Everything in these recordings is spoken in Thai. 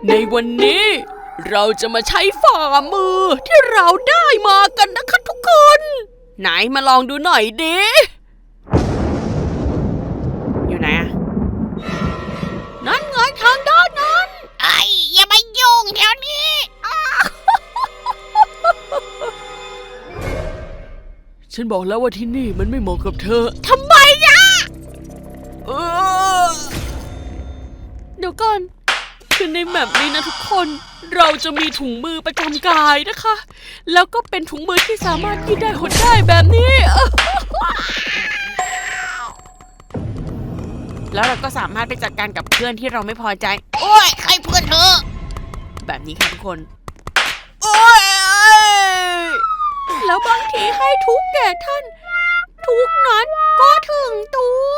ในวันนี้เราจะมาใช้ฝ่ามือที่เราได้มากันนะคะทุกคนไหนมาลองดูหน่อยดิอยู่ไหนอะนั่นไงทางด้านนั้นไอ้อย่ามายุ่งแถวนี้ฉันบอกแล้วว่าที่นี่มันไม่เหมาะกับเธอทำไมอะเดี๋ยวก่อนคือในแมปนี้นะทุกคนเราจะมีถุงมือประจำกายนะคะแล้วก็เป็นถุงมือที่สามารถยืดได้หดได้แบบนี้แล้วเราก็สามารถไปจัดการกับเพื่อนที่เราไม่พอใจโอ้ยใครเพื่อนเธอแบบนี้ค่ะทุกคนโอ้ยแล้วบางทีให้ทุกแก่ท่านทุกนั้นก็ถึงตัว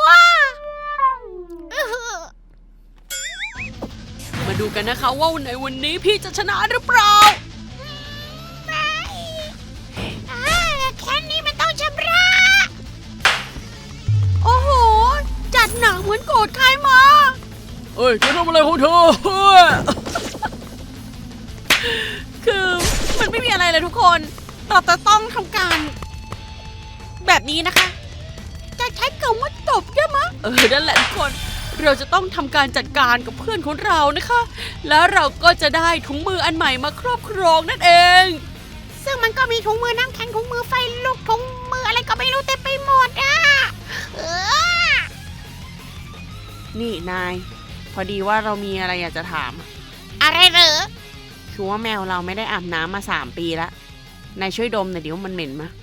มาดูกันนะคะว่าในวันนี้พี่จะชนะหรือเปล่าแค่นี้มันต้องชำระโอ้โหจัดหนักเหมือนโกรธใครมาเอ้ยจะทำอะไรของเธอคือมันไม่มีอะไรเลยทุกคนเราจะต้องทำการแบบนี้นะคะจะใช้คำว่าตบได้ไหมนั่นแหละทุกคนเราจะต้องทำการจัดการกับเพื่อนของเรานะคะแล้วเราก็จะได้ถุงมืออันใหม่มาครอบครองนั่นเองซึ่งมันก็มีถุงมือน้ำแข็งถุงมือไฟลูกถุงมืออะไรก็ไม่รู้เต็มไปหมดอ่ะนี่นายพอดีว่าเรามีอะไรอยากจะถามอะไรเหรอคือว่าแมวเราไม่ได้อาบน้ำมา3 ปีแล้วนายช่วยดมหน่อยดิว่ามันเหม็นไหม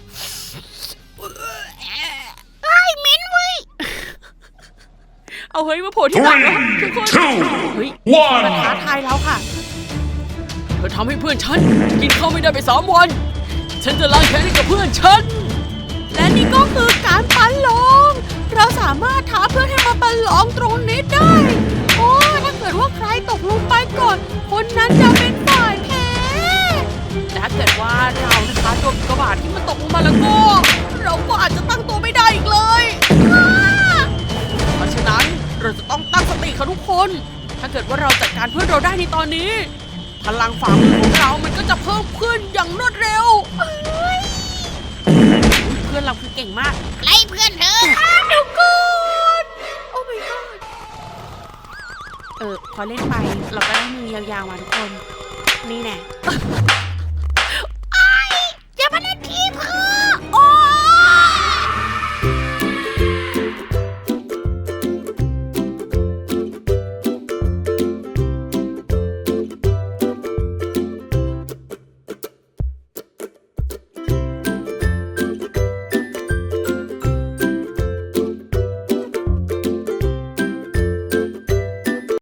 เหม็นเว้ยเอาเฮ้ยมาโผล่ที่หลังแล้วทุกคนเฮ้ยมาท้าทายเราค่ะเธอทำให้เพื่อนฉันกินข้าวไม่ได้ไป3 วันฉันจะล้างแค้นให้กับเพื่อนฉันและนี่ก็คือการประลองเราสามารถท้าเพื่อนให้มาประลองตรงนี้ได้โอ้ถ้าเกิดว่าใครตกลงไปก่อนคนนั้นจะเป็นฝ่ายแพ้แต่ถ้าเกิดว่าเรานะคะโดนกระบาดที่มันตกลงมาแล้วก็เราก็อาจจะตั้งตัวไม่ได้อีกเลยเพราะฉะนั้นเราจะต้องตั้งสติค่ะทุกคนถ้าเกิดว่าเราจัดการเพื่อนเราได้ในตอนนี้พลังฝ่ามือของเรามันก็จะเพิ่มขึ้นอย่างรวดเร็วเพื่อนเราคือเก่งมากไล่เพื่อนเธอเดี๋ยวก่อนโอ้ my god พอเล่นไปเราก็ได้มือยาวๆมาทุกคนนี่แน่